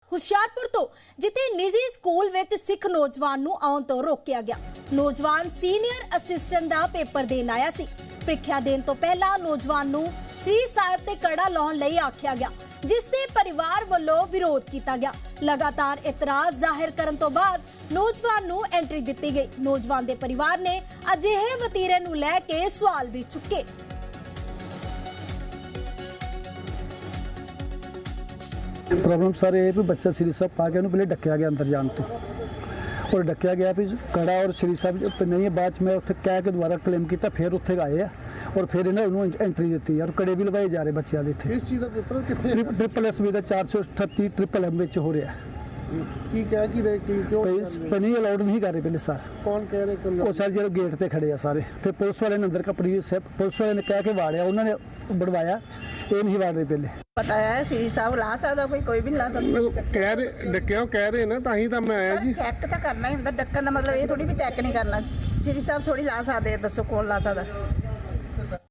ਹੁਸ਼ਿਆਰਪੁਰ ਤੋਂ ਜਿੱਥੇ ਨਿੱਜੀ ਸਕੂਲ ਵਿੱਚ ਸਿੱਖ ਨੌਜਵਾਨ ਨੂੰ ਆਉਣ ਤੋਂ ਰੋਕਿਆ ਗਿਆ। ਨੌਜਵਾਨ ਸੀਨੀਅਰ ਅਸਿਸਟੈਂਟ ਦਾ ਪੇਪਰ ਦੇਣ ਆਇਆ ਸੀ। ਪ੍ਰੀਖਿਆ ਦੇਣ ਤੋਂ ਪਹਿਲਾਂ ਨੌਜਵਾਨ ਨੂੰ ਸ੍ਰੀ ਸਾਹਿਬ ਤੇ ਕੜਾ ਲਾਉਣ ਲਈ ਆਖਿਆ ਗਿਆ, ਜਿਸ ਦੇ ਪਰਿਵਾਰ ਵੱਲੋਂ ਵਿਰੋਧ ਕੀਤਾ ਗਿਆ। ਲਗਾਤਾਰ ਇਤਰਾਜ਼ ਜ਼ਾਹਿਰ ਕਰਨ ਤੋਂ ਬਾਅਦ ਨੌਜਵਾਨ ਨੂੰ ਐਂਟਰੀ ਦਿੱਤੀ ਗਈ। ਨੌਜਵਾਨ ਦੇ ਪਰਿਵਾਰ ਨੇ ਅਜਿਹੇ ਵਤੀਰੇ ਨੂੰ ਲੈ ਕੇ ਸਵਾਲ ਵੀ ਚੁੱਕੇ। प्रॉब्लम सर ये भी बच्चा श्री साहब पा के उन्हें पहले डकया गया अंदर जाने तो, और डकया गया भी कड़ा और श्री साहब नहीं है। बाद मैं उत्थे कह के दोबारा क्लेम किया, फिर उत्थे आए और फिर इन्हें एंट्री दी और कड़े भी लवाए जा रहे बच्चों के इतने। इस चीज़ का पेपर कितने ट्रिपल एस बी का 438 ट्रिपल एम हो रहा है। की क्या की रहे की क्यों नहीं अलाउड नहीं कर रहे पहले सर। कौन कह रहे क्यों वो सर जो गेट पे खड़े हैं सारे, फिर पुलिस वाले ने अंदर कपड़ी पुलिस वाले ने कह के वाड़िया, उन्होंने बढ़वाया, ये नहीं वाड़ रहे पहले। पता है श्री साहब ला सकता, कोई भी ला सकता। कह रहे डक्या कह रहे ना, ताही तो मैं आया जी। चेक तो करना ही होंदा, डक्कन का मतलब ये थोड़ी भी चेक नहीं करना। श्री साहब थोड़ी ला सकते, दसो कौन ला सकता।